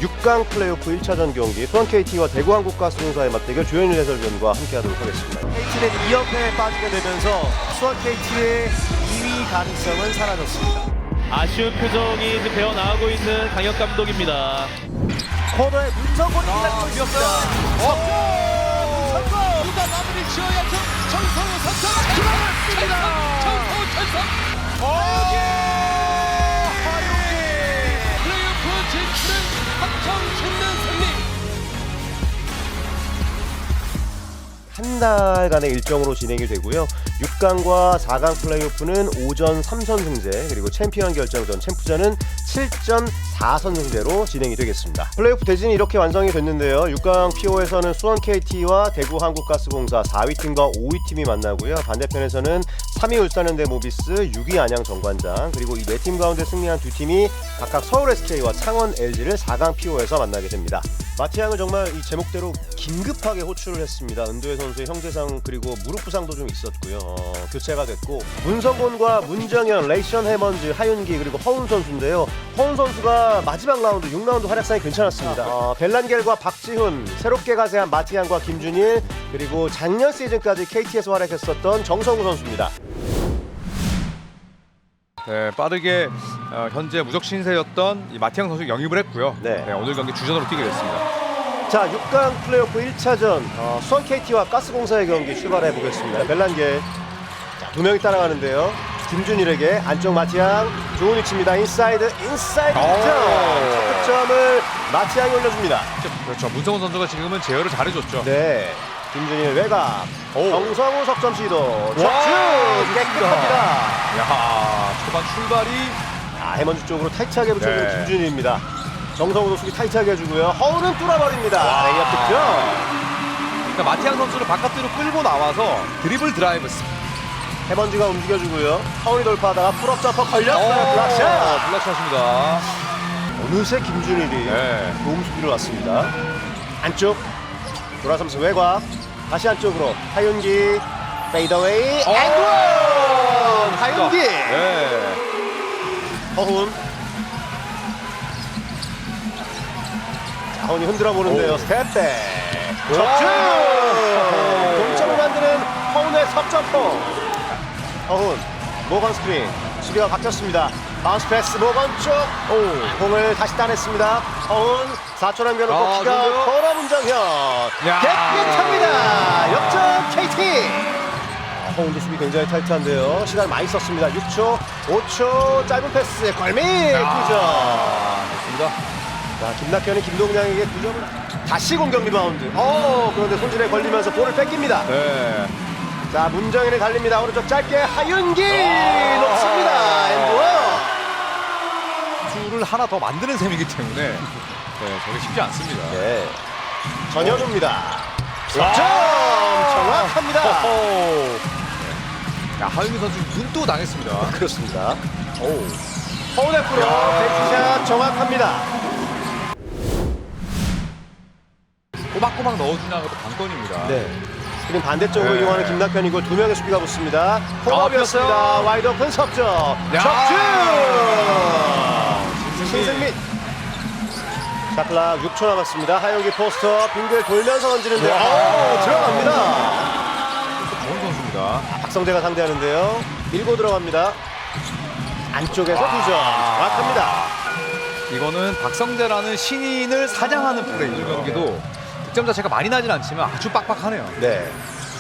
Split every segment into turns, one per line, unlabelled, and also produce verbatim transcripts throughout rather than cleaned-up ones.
육 강 플레이오프 일 차전 경기 수원 케이티와 대구 한국가스공사의 맞대결 조현일 해설위원과 함께하도록 하겠습니다.
케이티는 이 연패에 빠지게 되면서 수원 케이티의 이 위 가능성은 사라졌습니다.
아쉬운 표정이 이제 배어 나오고 있는 강혁 감독입니다.
코너에 문성곤이 기다렸습니다.
성공! 누가 마무리 지어야죠? 정성우 선수가 들어갔습니다. 정성우 선수. 하용기! 하용기! 플레이오프 진출은 확정 짓는 승리.
한 달간의 일정으로 진행이 되고요. 육 강과 사 강 플레이오프는 오전 삼 선승제 그리고 챔피언 결정전 챔프전은 칠 전 사 선승제로 진행이 되겠습니다. 플레이오프 대진이 이렇게 완성이 됐는데요. 육 강 피오에서는 수원 케이티와 대구 한국가스공사 사 위 팀과 오 위 팀이 만나고요. 반대편에서는 삼 위 울산현대 모비스, 육 위 안양 정관장 그리고 이 네 팀 가운데 승리한 두 팀이 각각 서울 에스케이와 창원 엘지를 사 강 피오에서 만나게 됩니다. 마티앙은 정말 이 제목대로 긴급하게 호출을 했습니다. 은도혜 선수의 형제상 그리고 무릎 부상도 좀 있었고요. 어, 교체가 됐고 문성곤과 문정현, 레이션 해먼즈, 하윤기 그리고 허운 선수인데요. 허운 선수가 마지막 라운드 육 라운드 활약상이 괜찮았습니다. 어, 벨란겔과 박지훈, 새롭게 가세한 마티앙과 김준일 그리고 작년 시즌까지 케이티에서 활약했었던 정성우 선수입니다.
네, 빠르게 어, 현재 무적 신세였던 이 마티앙 선수 영입을 했고요.
네.
네, 오늘 경기 주전으로 뛰게 됐습니다.
자, 육 강 플레이오프 일 차전 어, 수원 케이티와 가스공사의 경기 출발해 보겠습니다. 벨란겔 자, 두 명이 따라가는데요. 김준일에게 안쪽 마티앙 좋은 위치입니다. 인사이드 인사이드 득점. 첫 득점을 마티앙이 올려줍니다.
그렇죠. 문성훈 선수가 지금은 제어를 잘해줬죠.
네, 김준일 외곽
오.
정성우 석점 시도 적중
와,
깨끗합니다.
야, 초반 출발이
아, 해먼즈 쪽으로 타이트하게 붙여주는
네.
김준일입니다. 정성우도 수비 타이트하게 해주고요. 허우는 뚫어버립니다. 레이업 득점.
그러니까 마티앙 선수를 바깥으로 끌고 나와서 드리블 드라이브.
해먼즈가 움직여주고요. 허운이 돌파하다가 풀업 점퍼 걸렸어요. 블락샷.
블락샷입니다.
어느새 김준일이
네.
도움 수비를 왔습니다. 안쪽 돌아서면서 외곽 다시 안쪽으로 하윤기 페이더웨이 앤드원 하윤기
네.
허훈 자, 허훈이 흔들어 보는데요. 스텝백 적중 동점을 만드는 허훈의 석점포. 허훈 모건 스크린 수비가 바뀌었습니다. 바운스 패스 모건 쪽 오, 공을 다시 따냈습니다. 허훈 사 초 남겨놓고
아,
키가
좋은데요?
커라 문정현
야.
깨끗합니다. 역전 케이티. 아, 허훈도 수비 굉장히 타이트한데요. 시간 많이 썼습니다. 육 초 오 초 짧은 패스 골밑 두 점.
좋습니다.
자, 김낙현이 김동량에게 두 점을 다시 공격 리바운드. 어, 그런데 손질에 걸리면서 볼을 뺏깁니다.
네.
자, 문정현이 달립니다. 오른쪽 짧게 하윤기 놓습니다. 앤드원.
수를 하나 더 만드는 셈이기 때문에 네, 저게 쉽지 않습니다.
네. 전현우입니다. 석점 정확합니다.
호호. 야, 하윤기 선수 눈도 당했습니다.
그렇습니다. 오. 허운의 프로 백샷 정확합니다.
꼬박꼬박 넣어주냐가 또 관건입니다.
네. 스크린 반대쪽으로
네.
이용하는 김낙현이고 두 명의 수비가 붙습니다. 홈업이었습니다.
아,
와이드 오픈 석점.
야.
적중.
신승민.
신승민. 샷클락 육 초 남았습니다. 하영기 포스터 빙글 돌면서 던지는데
와.
오, 들어갑니다.
좋은 선수입니다.
박성재가 상대하는데요. 밀고 들어갑니다. 안쪽에서 두 점. 정확합니다.
이거는 박성재라는 신인을 사냥하는 플레이. 이 경기도 득점 자체가 많이 나진 않지만 아주 빡빡하네요.
네.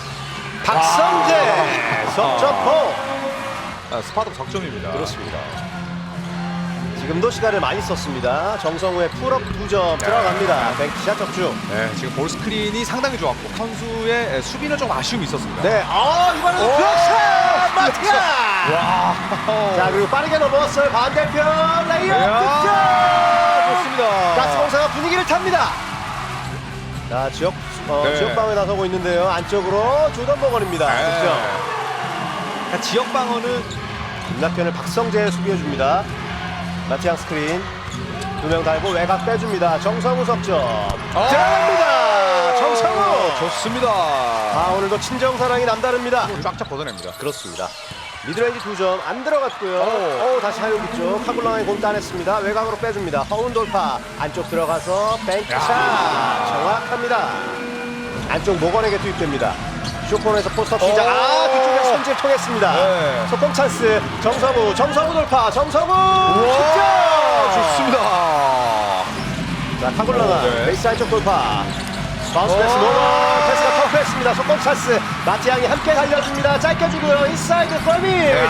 박성재 석점포.
아, 스파도 석점입니다.
그렇습니다. 지금도 시간을 많이 썼습니다. 정성우의 풀업 두 점 들어갑니다. 뱅크샷 적중.
네, 지금 볼 스크린이 상당히 좋았고 선수의 수비는 좀 아쉬움이 있었습니다.
네, 아 이번에는 블락샷 마티아.
와,
자, 그리고 빠르게 넘어왔어요. 반대편 레이업
이야,
득점.
좋습니다.
가스공사가 분위기를 탑니다. 자, 지역 어,
네.
지역 방어에 나서고 있는데요. 안쪽으로 조던 버건입니다.
네.
득점.
그러니까 지역 방어는
김낙현을 박성재 수비해 줍니다. 마티앙 스크린 두 명 달고 외곽 빼줍니다. 정성우 석점
아.
들어갑니다. 정성우
좋습니다.
아, 오늘도 친정사랑이 남다릅니다.
쫙쫙 걷어냅니다.
그렇습니다. 미드레인지 두 점 안 들어갔고요. 오, 다시 하윤기 쪽 카굴랑이 공 따냈습니다. 외곽으로 빼줍니다. 허운 돌파 안쪽 들어가서 뱅크샷 정확합니다. 안쪽 모건에게 투입됩니다. 쇼폰에서 포스업 시작.
오.
아, 뒤쪽에 손질 통했습니다.
네.
속공 찬스. 정서구, 정서구 돌파. 정서구
와,
득점.
좋습니다.
자, 카굴라가
오, 네.
베이스 안쪽 돌파. 바운스 패스
오.
노건 패스가 터프했습니다. 속공 찬스. 마티앙이 함께 달려줍니다. 짧게 주고요. 인사이드 골밑 득점.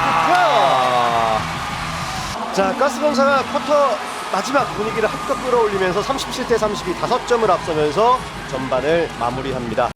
자, 가스공사가 쿼터 마지막 분위기를 합격 끌어올리면서 삼십칠 대 삼십이 다섯 점을 앞서면서 전반을 마무리합니다.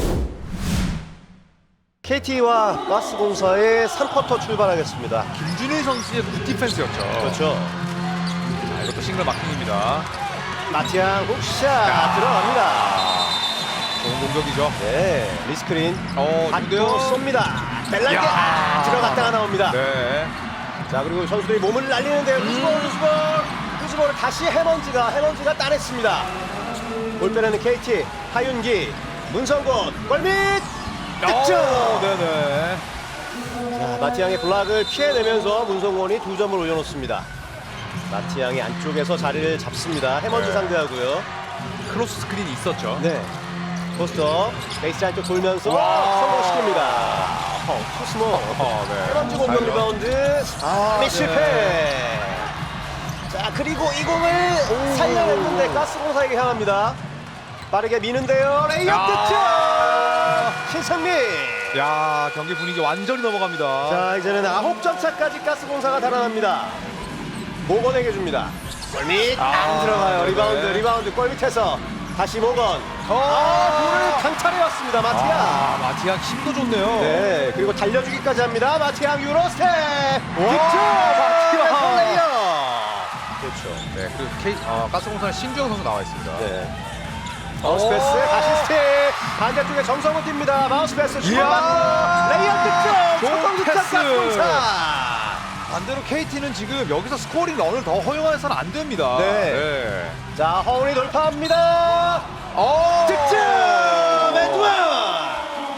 케이티와 가스공사의 삼 쿼터 출발하겠습니다.
김준일 선수의 굿 디펜스였죠.
그렇죠.
자, 이것도 싱글 마킹입니다.
마티앙 훅샷 들어갑니다.
좋은 공격이죠.
네, 리스크린
어,
받고
좋은데요?
쏩니다. 벨랑게
야.
아, 들어갔다가 나옵니다.
네.
자, 그리고 선수들이 몸을 날리는데요. 루즈볼, 루즈볼, 루즈볼을 다시 해먼지가 해먼지가 따냈습니다. 볼 빼내는 케이티, 하윤기, 문성곤, 골밑 득점.
어, 네네.
자, 마티앙의 블락을 피해내면서 문성곤이 두 점을 올려놓습니다. 마티앙이 안쪽에서 자리를 잡습니다. 해먼지
네.
상대하고요.
크로스 스크린이 있었죠.
네. 포스터 베이스 안쪽 돌면서
와.
성공시킵니다. 어, 투스모.
어, 네.
해먼지 공격
잘죠.
리바운드. 아,
네.
실패. 자, 그리고 이 공을 살려냈는데 가스공사에게 향합니다. 빠르게 미는데요. 레이업
야.
득점. 신성민.
야, 경기 분위기 완전히 넘어갑니다.
자, 이제는 아홉 점 차까지 가스공사가 달아납니다. 모건에게 줍니다. 골밑 안
아,
들어가요.
네네.
리바운드, 리바운드 골밑에서 다시 모건.
어.
아, 볼을 강탈해왔습니다. 마티앙.
아, 마티앙 힘도 좋네요.
네, 그리고 달려주기까지 합니다. 마티앙 유로스텝. 득점.
마티앙.
플레이어. 그렇죠.
네, 그리고 K, 어, 가스공사는 신주영 선수 나와 있습니다.
네. 마우스 패스 다시 스틱 반대쪽에 정성호 뜁니다. 마우스 패스 주고받고 레이업 득점.
좋은
성공 득점
패스.
가스공사.
반대로 케이티는 지금 여기서 스코어링 런을 더 허용해서는 안 됩니다.
네. 자, 허운이 돌파합니다.
어.
득점! 에드원!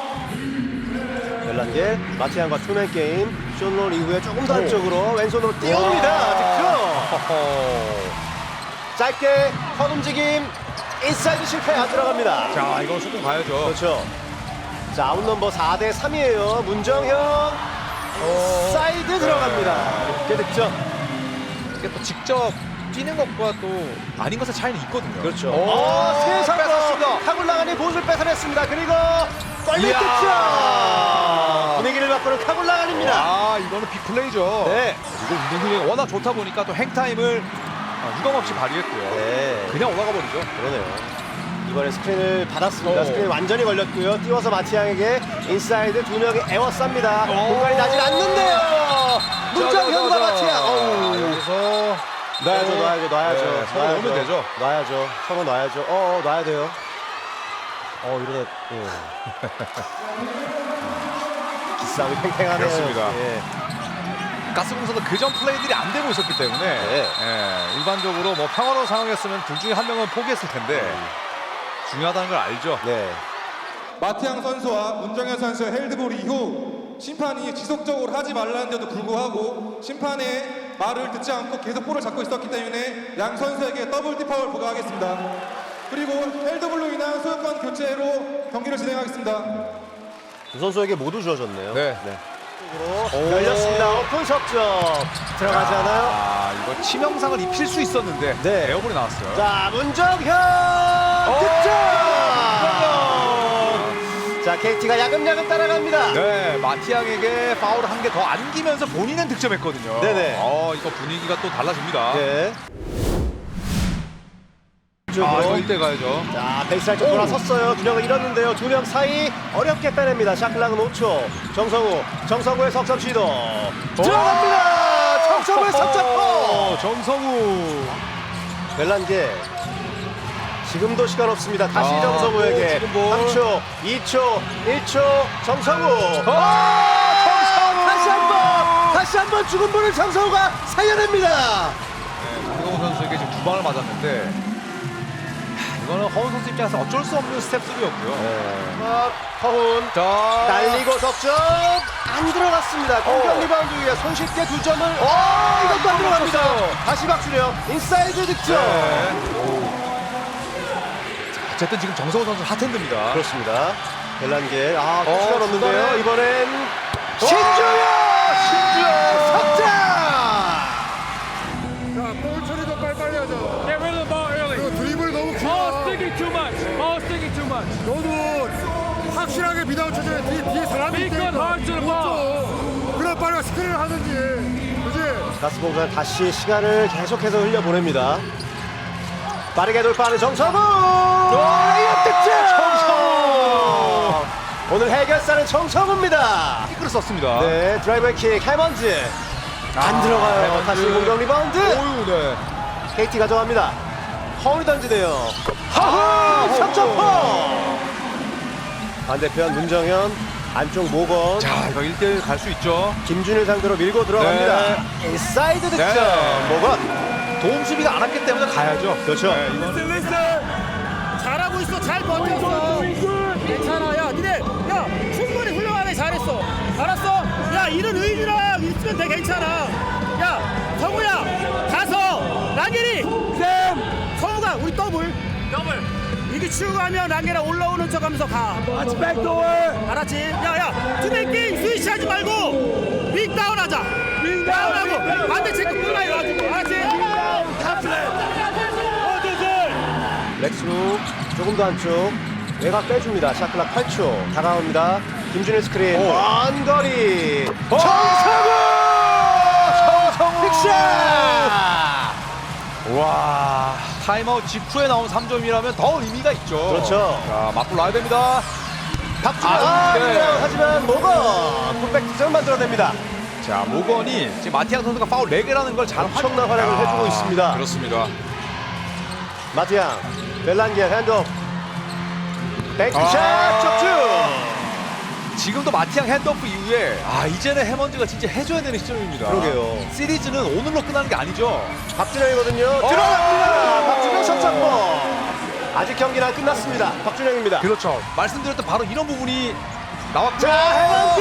벨란게 마티앙과 투맨 게임. 쇼롤 이후에 조금 더 안쪽으로 왼손으로 띄웁니다. 득점!
허허.
짧게 턴 움직임. 인사이드 실패 안 들어갑니다.
자, 이건 조금 가야죠.
그렇죠. 자, 아웃 넘버 사 대 삼이에요. 문정형. 사이드 들어갑니다. 이렇게 득점.
이게 또 직접 뛰는 것과 또 아닌 것의 차이는 있거든요.
그렇죠.
오,
어, 세상에
뺏었습니다.
카굴라간이 보수를 뺏어냈습니다. 그리고 골밑
이야.
득점. 분위기를 바꾸는 카굴라간입니다.
아, 이거는 빅플레이죠.
네.
그리고 운동 능력이 워낙 좋다 보니까 또 행타임을 유감 없이 발휘했고요.
네.
그냥 올라가 버리죠.
그러네요. 이번에 스크린을 받았습니다.
오.
스크린 완전히 걸렸고요. 띄워서 마티앙에게 인사이드 두 명이 에워쌉니다.
오.
공간이 나질 않는데요. 문정현과
자, 자, 자, 자.
마티앙. 어우.
아, 여기서
놔야죠,
네.
놔야죠, 놔야죠.
네, 서로
놔야죠.
넣으면 되죠.
놔야죠. 서로 놔야죠. 어, 어, 놔야 돼요. 어, 이러다, 예. 기싸움이 팽팽하네요.
그렇습니다.
예.
가스공사도 그전 플레이들이 안 되고 있었기 때문에
네.
예, 일반적으로 뭐 평화로운 상황이었으면 둘 중에 한 명은 포기했을 텐데 중요하다는 걸 알죠.
네.
마티앙 선수와 문정현 선수의 헬드볼 이후 심판이 지속적으로 하지 말라는데도 불구하고 심판의 말을 듣지 않고 계속 볼을 잡고 있었기 때문에 양 선수에게 더블 디파울 부과하겠습니다. 그리고 헬드볼로 인한 소유권 교체로 경기를 진행하겠습니다.
두 선수에게 모두 주어졌네요.
네.
쪽으로 열렸습니다. 오픈 석점 들어가지 않아요?
아, 이거 치명상을 입힐 수 있었는데
네.
에어볼이 나왔어요.
자, 문정현 득점! 자, 케이티가 야금야금 따라갑니다.
네, 마티앙에게 파울을 한 개 더 안기면서 본인은 득점했거든요.
네네.
어, 이거 분위기가 또 달라집니다.
네.
아, 이거 일 대 가야죠.
자, 베이스라인 쪽 돌아섰어요. 균형을 잃었는데요. 두 명 사이 어렵게 빼냅니다. 샤클락은 오 초. 정성우, 정성우의 석점 시도 들어갑니다. 정성우의 석점포.
어, 정성우.
벨란게 지금도 시간 없습니다. 다시
아,
정성우에게
지금 볼.
삼 초, 이 초, 일 초. 정성우.
아, 정성우.
다시 한번, 다시 한번 죽은 분을 정성우가 살려냅니다.
네, 강동원 선수에게 지금 두 방을 맞았는데 이거는 허운 선수 입장에서 어쩔 수 없는 스텝3였고요.
네. 허훈
자,
날리고 석점 안 들어갔습니다. 공격
어.
리바운드 위에 손쉽게 두 점을 어 이것도 안 들어갑니다. 다시 박주령 인사이드 득점.
네. 어쨌든 지금 정성호 선수 핫핸드입니다.
그렇습니다. 벨란게 아
어,
시간 없는데요.
중간에.
이번엔 신주영 신주영 석점.
볼 처리도 빨리빨리 하자.
Get rid of the ball early.
그리고 드리블 너무
Ball
길어.
sticking too much. Ball sticking too much.
너도 확실하게 미다운 쳐줘야 뒤에, 뒤에 사람이
Be good, hard to the ball.
그래 빨리 스크린을 하든지. 그지?
가스공사 다시 시간을 계속해서 흘려보냅니다. 빠르게 돌파하는 정성우. 레이업 득점. 정성우. 오늘 해결사는 정성우입니다.
이끌을 썼습니다.
네, 드라이버 킥 해먼즈 안 들어가요.
해먼즈.
다시 공격 리바운드.
오유, 네.
케이티 가져갑니다. 허운이 던지네요. 하하 석점포. 반대편 문정현 안쪽 모건
자, 이거 일 대일 갈 수 있죠.
김준일 상대로 밀고 들어갑니다.
네.
인사이드 득점.
네.
모건
도움 수비가 안 왔기 때문에 가야죠.
그렇죠.
네, 이건
잘하고 있어. 잘 버텼어. 괜찮아. 야, 니네 야 충분히 훌륭하게 잘했어. 알았어? 야, 이런 의지랑 있으면 돼. 괜찮아. 야, 성우야, 가서 랑겔이 쌤, 성우가 우리 더블 더블 이게 치우고 가면 랑겔아 올라오는 척하면서 가. 아치 백도어. 알았지? 야, 야, 투맨 스위치하지 말고 윙 다운하자. 윙 다운하고 반대 체크 플라이 가지고. 알았지?
렉스루 조금 더 안쪽 외곽 빼줍니다. 샤클락 팔 초 다가옵니다. 김준일 스크린 먼 거리 정성우 정성우 빅샷.
와, 타임아웃 직후에 나온 삼 점이라면 더 의미가 있죠.
그렇죠.
자, 맞불 놔야 됩니다.
박준호
아,
아,
네.
네. 하지만 모건 풋백 득점 만들어냅니다.
자, 모건이 지금 마티앙 선수가 파울 네 개라는 걸 잘
엄청난 활약을
아,
해주고 있습니다.
그렇습니다.
마티앙 벨란게 핸드업 백샷
아.
적중.
지금도 마티앙 핸드오프 이후에 아, 이제는 해먼즈가 진짜 해줘야 되는 시점입니다.
그러게요.
시리즈는 오늘로 끝나는 게 아니죠.
박준영이거든요.
어.
들어갑니다. 박준영 샷점포. 아직 경기는 안 끝났습니다. 박준영입니다.
그렇죠. 말씀드렸던 바로 이런 부분이 나왔죠.
자, 해먼즈!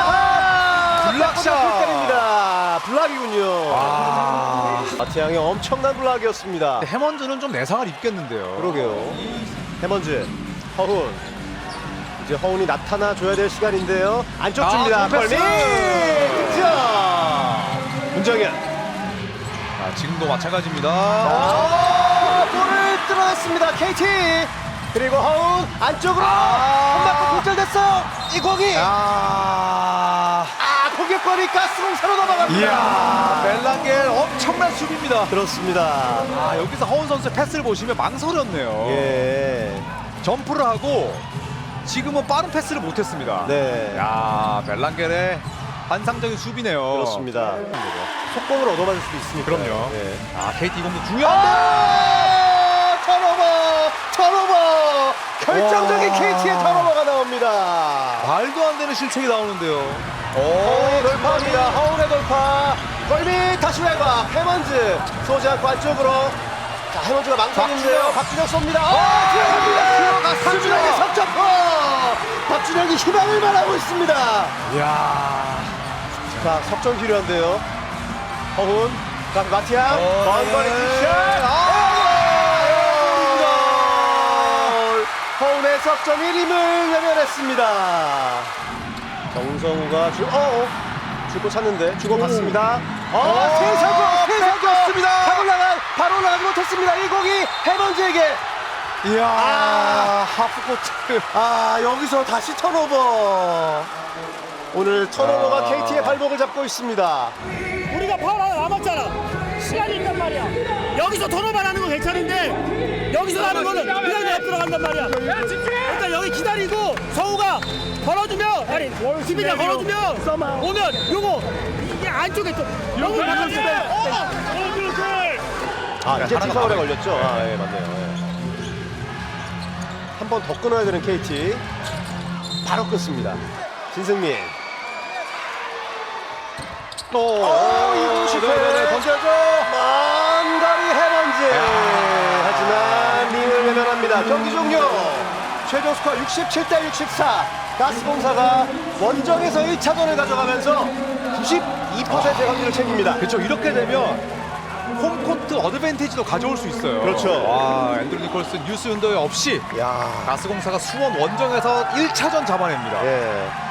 아하!
블락샷!
때립니다. 블락이군요.
아,
마티앙의 엄청난 블락이었습니다.
해먼즈는 좀 내상을 입겠는데요.
그러게요. 해먼즈, 허훈. 이제 허훈이 나타나 줘야 될 시간인데요. 안쪽
아,
줍니다.
좋은 패스!
골밑 득점. 문정현.
자, 지금도 마찬가지입니다.
아, 볼을 뚫어냈습니다. 케이티. 그리고 허훈 안쪽으로
아.
한 바퀴 골절됐어. 이 공이
아,
아 공격권이 가스공사로 넘어갑니다.
이야, 벨랑겔 엄청난 수비입니다.
그렇습니다.
아, 여기서 허운 선수의 패스를 보시면 망설였네요.
예.
점프를 하고 지금은 빠른 패스를 못했습니다.
네.
야, 벨랑겔의 환상적인 수비네요.
그렇습니다. 속공을 얻어맞을 수도 있으니까.
그럼요.
예.
아, 케이티 이공도 중요한데.
아, 턴오버, 턴오버. 결정적인
와.
케이티의 턴오버가 나옵니다.
말도 안 되는 실책이 나오는데요.
허운의 돌파입니다. 허운의 돌파. 골밑 다시 외곽. 해먼즈 쏘지 않고 안쪽으로. 자, 해먼즈가 망설이는데요. 박준혁 쏩니다. 어, 들어갑니다. 박준혁의 석점포. 박준혁이 희망을 말하고 있습니다.
이야.
자, 석점 필요한데요. 허훈, 자, 마티앙,
어,
먼 거리
네.
킥샷. 아, 허훈의 석점 일 힘을 외면했습니다. 정성우가 주, 어, 어, 주고 찾는데 주고 받습니다. 어, 세사고, 세사고였습니다. 다 올라간, 바로 올라가지 못했습니다. 이 공이 해먼즈에게.
이야.
아.
하프코트.
아, 여기서 다시 턴오버. 오늘 턴오버가
아.
케이티의 발목을 잡고 있습니다.
우리가 파울 하나 남았잖아. 시간이 있단 말이야. 여기서 토너만 하는 건 괜찮은데 여기서 하는 거는 그냥 내 앞으로 간단 말이야. 일단 여기 기다리고 성우가 걸어주면 아니 수비가 걸어주면 오면 요거 이게 안쪽에 또 너무 바꿔주면
아, 이제
하나가
티파울에
나와요.
걸렸죠? 아, 예, 맞네요. 한 번 더 끊어야 되는 케이티. 바로 끊습니다. 신승민. 또, 오, 이공 실패. 던져줘. 먼 거리 해먼즈. 하지만 링을 외면합니다. 됐습니다. 경기 종료. 최종 스코어 육십칠 대 육십사. 가스공사가 원정에서 일 차전을 가져가면서 구십이 퍼센트의 확률을 챙깁니다.
그렇죠. 이렇게 되면 홈코트 어드밴티지도 가져올 수 있어요.
그렇죠.
와, 앤드루 니콜슨, 유스 윤도에 없이
야,
가스공사가 수원 원정에서 일 차전 잡아냅니다.
예.